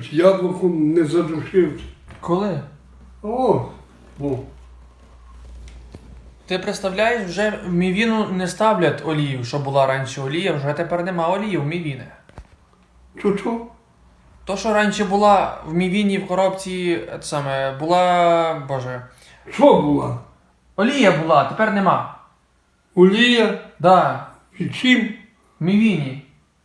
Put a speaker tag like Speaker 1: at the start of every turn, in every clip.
Speaker 1: чуть яблуком не задушився.
Speaker 2: Коли?
Speaker 1: О.
Speaker 2: Ти представляєш, вже в мівіну не ставлять олію, що була раніше олія, вже тепер нема олії в мівіни.
Speaker 1: Чо?
Speaker 2: То, що раніше була в мівіні в коробці, була, боже...
Speaker 1: Що була?
Speaker 2: Олія була, тепер нема.
Speaker 1: Олія?
Speaker 2: Да,
Speaker 1: І чим?
Speaker 2: в мівіні.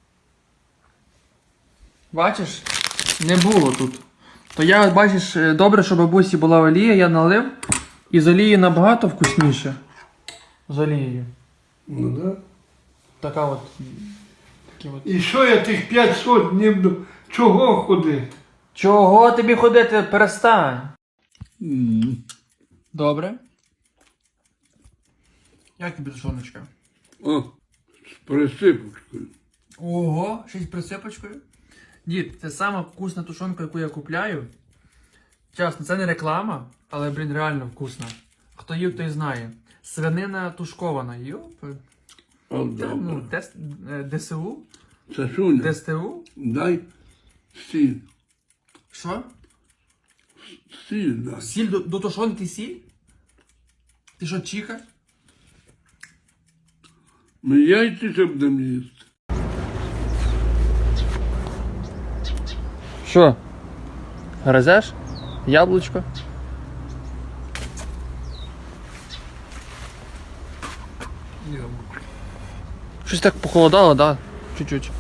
Speaker 2: Бачиш? Не було тут. То я, бачиш, добре, що бабусі була олія, я налив. І з олією набагато вкусніше. З олією.
Speaker 1: Ну да.
Speaker 2: Така от. Такі от.
Speaker 1: І що я тих 500 днів до... Чого ходити?
Speaker 2: Чого тобі ходити? Перестань. Добре. Як тобі тушоночка?
Speaker 1: О, з присипочкою.
Speaker 2: Ого, ще й з присипочкою. Дід, це сама вкусна тушонка, яку я купляю. Чесно, це не реклама, але, блін, реально вкусна. Хто їв, той знає. Свинина тушкована. Йоп. Ну, ДСУ?
Speaker 1: Сашуня,
Speaker 2: ДСТУ?
Speaker 1: дай сіль.
Speaker 2: Що?
Speaker 1: Сіль дай.
Speaker 2: Сіль до тушонки сіль? Ти що, чиха?
Speaker 1: Ми яйці ще будемо їсти.
Speaker 2: Що? Гризеш? Яблучко? Щось так похолодало, да? Чуть-чуть.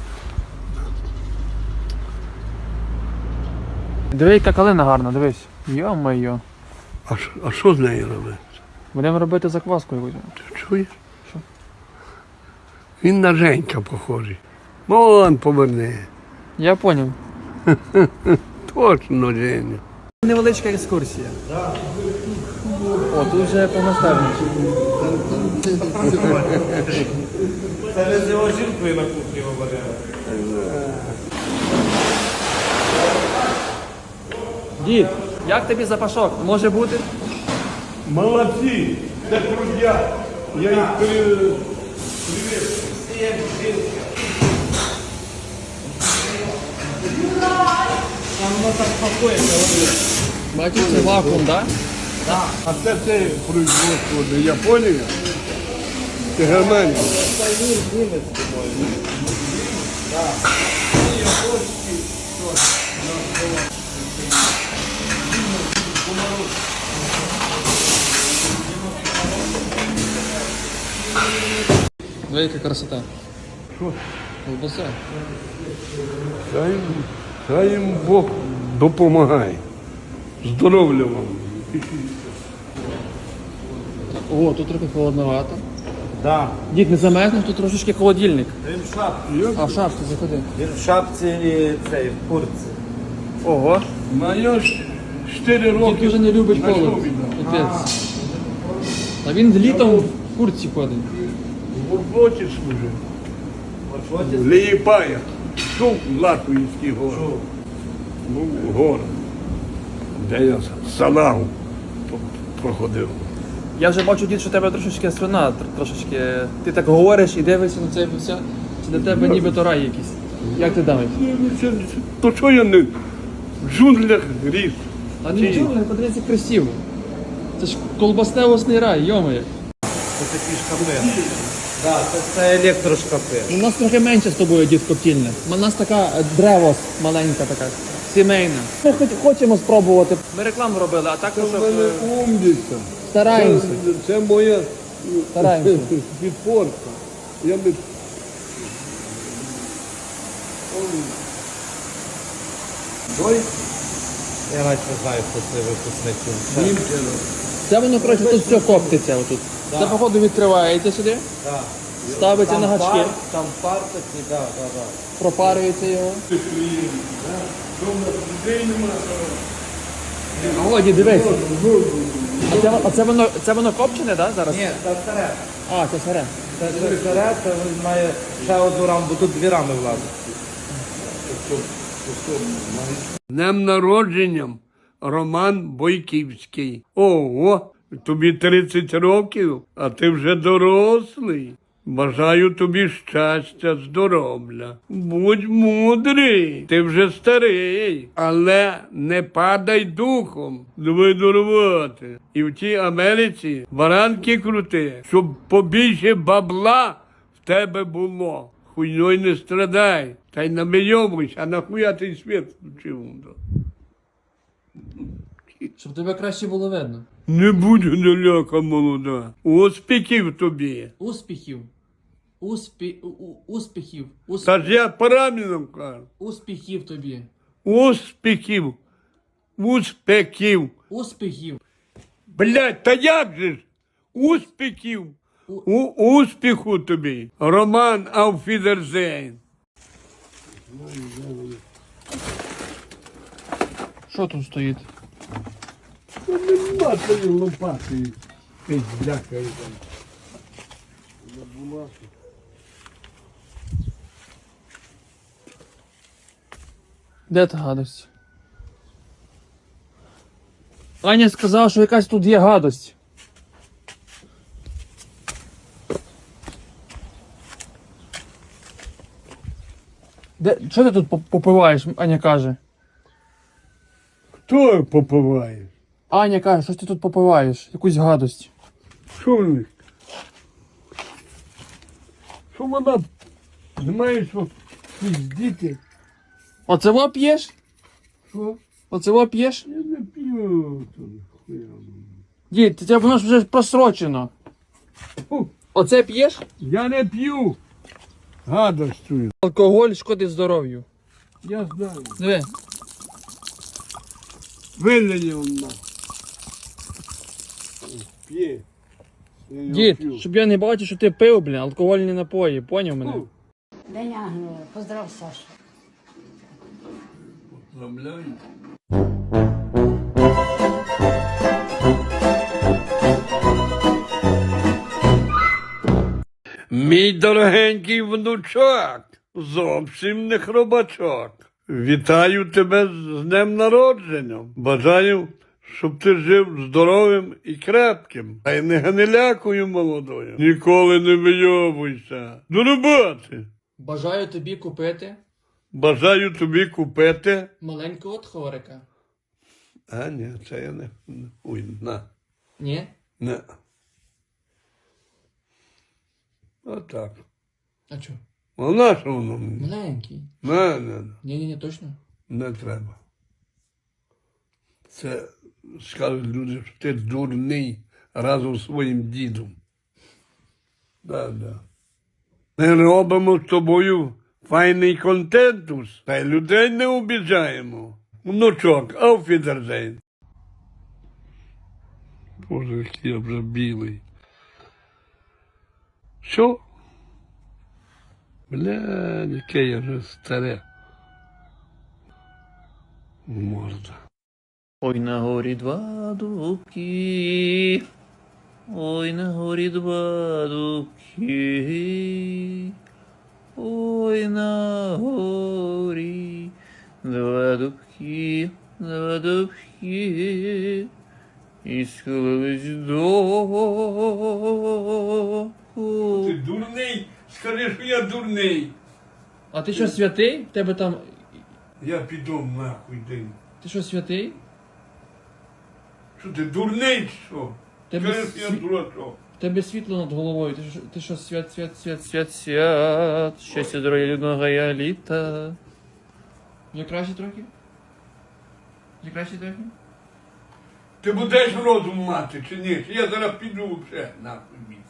Speaker 2: Диви, яка калина гарна, дивись. Йо-моє.
Speaker 1: А що з нею робити?
Speaker 2: Будемо робити закваску якусь.
Speaker 1: Ти чуєш?
Speaker 2: Що?
Speaker 1: Він на Женька похожий. Вон поверни.
Speaker 2: Я поняв.
Speaker 1: Точно Женя.
Speaker 2: Невеличка екскурсія. О, тут вже повноставніше.
Speaker 3: Це не з його жінкою на кухні говорили.
Speaker 2: Дід, як тобі запашок? Може бути?
Speaker 1: Молодці, це трудя. Я їх привіз.
Speaker 3: Воно так спокійно.
Speaker 2: Бачиш, це вакуум, так?
Speaker 1: А це производство не Японія, це Германія.
Speaker 2: Велика красота.
Speaker 1: Що?
Speaker 2: Колбаса.
Speaker 1: Хай їм Бог допомагає. Здоров'я вам.
Speaker 2: О, тут трохи холодновато.
Speaker 3: Да.
Speaker 2: Дід, не замерзнеш, тут трошечки холодильник.
Speaker 3: Він в шапці.
Speaker 2: А в шапці заходи.
Speaker 3: Він в шапці і цей, в куртці.
Speaker 2: Ого.
Speaker 1: Моє 4 роки.
Speaker 2: Дід дуже не любить
Speaker 1: на
Speaker 2: холод.
Speaker 1: що віддав?
Speaker 2: Капець. А він літом в куртці ходить.
Speaker 1: В роботі служив.
Speaker 3: От
Speaker 1: В Лієпая. Чув Латвійський город. Був город, де я салагу проходив.
Speaker 2: Я вже бачу, дід, що у тебе трошечки слюна, трошечки. Ти так говориш і дивишся на це все. Це для тебе ніби то рай якийсь. Як ти думаєш?
Speaker 1: То що я не в джунглях ріс?
Speaker 2: А нічого, подивіться красиво. Це ж колбасневосний рай, йомає.
Speaker 3: Це такі шкафи. Да, це електрошкафи.
Speaker 2: У нас трохи менше з тобою, дід, коптільне. У нас така древос маленька така, сімейна. Ми хочемо спробувати. Ми рекламу робили, а також
Speaker 1: Це в мене умниця.
Speaker 2: стараємося.
Speaker 1: Це моя
Speaker 2: Стараємося.
Speaker 1: підпорка. Я би...
Speaker 3: Той? Я навіть не знаю, хто це випускник.
Speaker 1: Німчина.
Speaker 2: Це воно, коротше, тут все коптиться отут. Це, походу, відкривається сюди,
Speaker 3: Да.
Speaker 2: ставиться на гачки,
Speaker 3: Там пар такий, да.
Speaker 2: пропарюється його. О, дід, дивись. А це воно копчене, так, зараз?
Speaker 3: Ні, це старе.
Speaker 2: А, це сире.
Speaker 3: Це старе, це він має ще одну раму, бо тут 2 рами влазить.
Speaker 1: Днем народженням Роман Бойківський. Ого, тобі 30 років, а ти вже дорослий. Бажаю тобі щастя, здоров'я. Будь мудрий, ти вже старий, але не падай духом. Давай до роботи. І в тій Америці баранки крути, щоб побільше бабла в тебе було. Хуйньой не страдай, та й намийовуйся, а нахуя ти світ включив?
Speaker 2: Щоб тебе краще було видно.
Speaker 1: Не будь гниляка молода. Успіхів тобі.
Speaker 2: Успіхів. Успіхів.
Speaker 1: Та ж я правильно кажу.
Speaker 2: Успіхів тобі.
Speaker 1: Успіхів. Успіхів.
Speaker 2: Успіхів.
Speaker 1: Блядь, та як же ж? Успіхів. Успіху тобі. Роман Ауфідерзейн.
Speaker 2: Що тут стоїть?
Speaker 1: Нема тої лопати. Ти бляка.
Speaker 2: Де та гадость? Аня сказала, що якась тут є гадость. Що ти тут попиваєш, Аня каже?
Speaker 1: Хто попиває?
Speaker 2: Аня каже, що ти тут попиваєш? Якусь гадость.
Speaker 1: Що в них? Що вона, знаєш, що піздіти?
Speaker 2: Оце во п'єш?
Speaker 1: Що?
Speaker 2: Оце во п'єш?
Speaker 1: Я не п'ю. Хуя.
Speaker 2: Дід, тебе воно ж вже просрочено.
Speaker 1: Фу,
Speaker 2: Оце п'єш?
Speaker 1: я не п'ю. Гадостую.
Speaker 2: Алкоголь шкодить здоров'ю.
Speaker 1: Я знаю.
Speaker 2: Диви.
Speaker 1: Вилені вона. П'є. Я його
Speaker 2: Дід,
Speaker 1: п'ю.
Speaker 2: щоб я не бачив, що ти пив, блін, алкогольні напої, поняв мене?
Speaker 1: Фу.
Speaker 4: День Ангела. Поздрав, Саша.
Speaker 1: Поздравляю. Мій дорогенький внучок, зовсім не хробачок. Вітаю тебе з днем народження. Бажаю, щоб ти жив здоровим і крепким. Та й не гнилякою молодою. Ніколи не вийовуйся. До роботи.
Speaker 2: Бажаю тобі купити
Speaker 1: Бажаю тобі купити.
Speaker 2: маленького тхорика.
Speaker 1: А, ні, це я не. Ой, на.
Speaker 2: Ні?
Speaker 1: Не. Отак.
Speaker 2: А чо?
Speaker 1: А на що воно мені?
Speaker 2: Маленький.
Speaker 1: Не.
Speaker 2: Ні, точно.
Speaker 1: Не треба. Це скажуть люди, що ти дурний разом з своїм дідом. Да. Ми робимо з тобою файний контентус, та й людей не обіжаємо. Внучок, ауфідерзейн. Боже, який я вже білий. Що? Бля, яке я вже старе. Морда.
Speaker 2: Ой, на горі два дубки, ой, на горі два дубки, ой, на горі два дубки, і схилились до...
Speaker 1: Ти дурний? Скажи, що я дурний.
Speaker 2: А ти що, святий? В тебе там...
Speaker 1: Я піду нахуй день.
Speaker 2: Ти що, святий?
Speaker 1: Що ти дурний чи що?
Speaker 2: Тебе
Speaker 1: Скажи, що я дурачок.
Speaker 2: В тебе світло над головою. Ти що, свят. Щастя, здоров'я, людного я літа. Вже краще трохи? Вже краще трохи?
Speaker 1: Ти будеш розум мати чи ні? Чи я зараз піду вже нахуй місце.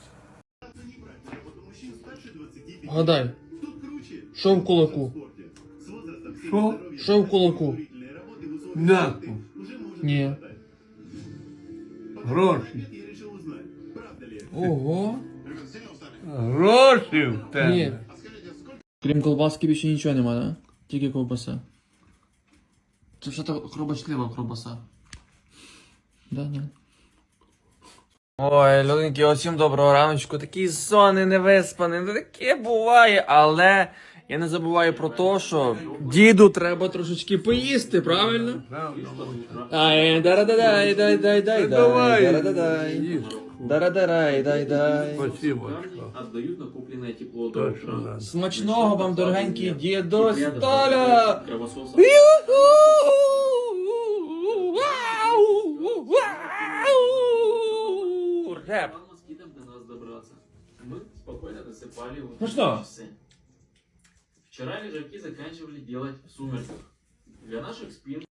Speaker 2: Гадай. Що в кулаку?
Speaker 1: Що?
Speaker 2: Що в кулаку?
Speaker 1: Нахуй.
Speaker 2: Ні.
Speaker 1: Гроші.
Speaker 2: Ого.
Speaker 1: Гроші в тебе.
Speaker 2: Ні. Крім колбаски більше нічого нема, да? Тільки ковбаса. Це що то хробачлива ковбаса. Да. Ой, людинки, усім доброго раночку. Такий сонний, невиспаний, ну таке буває, але Я не забуваю про те, що діду треба трошечки поїсти, правильно? Ай, дарададай, дай, дай, дай,
Speaker 1: Давай,
Speaker 2: дарададай.
Speaker 1: їж.
Speaker 2: Дарададай, дай, дай.
Speaker 1: Спасибо.
Speaker 5: Отдают накопленное тепло до
Speaker 1: Точно,
Speaker 5: утра.
Speaker 1: да.
Speaker 2: Смачного вам, дорогенький дідо Столя!
Speaker 5: Кровососом.
Speaker 2: Реп.
Speaker 5: Москитам до нас добраться. Мы спокойно досыпали вот
Speaker 2: Ну что?
Speaker 5: часы. Вчера лежаки заканчивали делать в сумерках. Для наших спин